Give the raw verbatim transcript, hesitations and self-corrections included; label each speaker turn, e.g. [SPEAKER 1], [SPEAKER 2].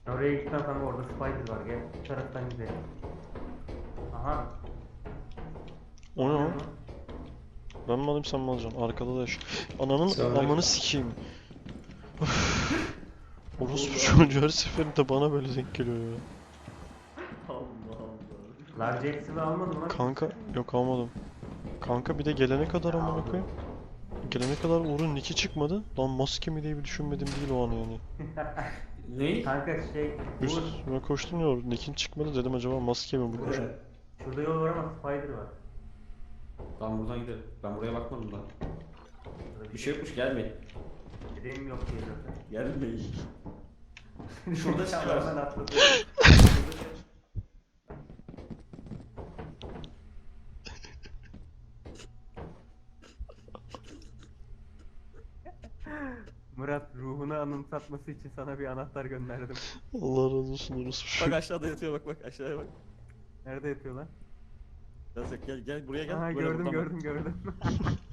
[SPEAKER 1] Oraya gitmem kanka, orada spider var, gel bu taraftan gidelim. Aha.
[SPEAKER 2] O ne
[SPEAKER 1] Oluyor
[SPEAKER 2] lan?
[SPEAKER 1] mu?
[SPEAKER 2] Ben mi alayım sen mi alacaksın? Arkada da yaş. Ananın
[SPEAKER 3] Selamünaleyküm.
[SPEAKER 2] amanı sikeyim. Orospu
[SPEAKER 3] Allah.
[SPEAKER 2] çocuğu her seferinde bana böyle denk geliyor ya.
[SPEAKER 3] Allah Allah.
[SPEAKER 1] Large hepsini almadım lan.
[SPEAKER 2] Kanka yok almadım. Kanka bir de gelene kadar amına
[SPEAKER 1] Aldım.
[SPEAKER 2] koyayım. Gelene kadar Uğur'un nicki çıkmadı. Lan maske mi diye bir düşünmedim değil o an yani.
[SPEAKER 3] Ne?
[SPEAKER 1] Kanka şey, Uğur,
[SPEAKER 2] Üstüme koştum ya nickin çıkmadı dedim acaba maske mi bu koşan?
[SPEAKER 3] Evet.
[SPEAKER 1] şurada yol var ama spider var.
[SPEAKER 3] Tamam buradan gidelim. Ben buraya bakmadım da.
[SPEAKER 1] Şurada
[SPEAKER 3] Bir şey yokmuş, gelmeyin.
[SPEAKER 1] Direğim yok diye zaten.
[SPEAKER 3] Gelmeyin. Şurada şey
[SPEAKER 1] Hemen
[SPEAKER 3] var.
[SPEAKER 1] atladım. Murat, ruhunu anımsatması için sana bir anahtar gönderdim.
[SPEAKER 2] Allah razı olsun orospu
[SPEAKER 4] Bak
[SPEAKER 2] çocuğu.
[SPEAKER 4] aşağıda yatıyor, bak bak aşağıya bak.
[SPEAKER 1] Nerede yatıyor lan?
[SPEAKER 4] Gel gel gel buraya gel.
[SPEAKER 1] Aha,
[SPEAKER 4] Böyle
[SPEAKER 1] gördüm
[SPEAKER 4] buradan bak.
[SPEAKER 1] gördüm gördüm.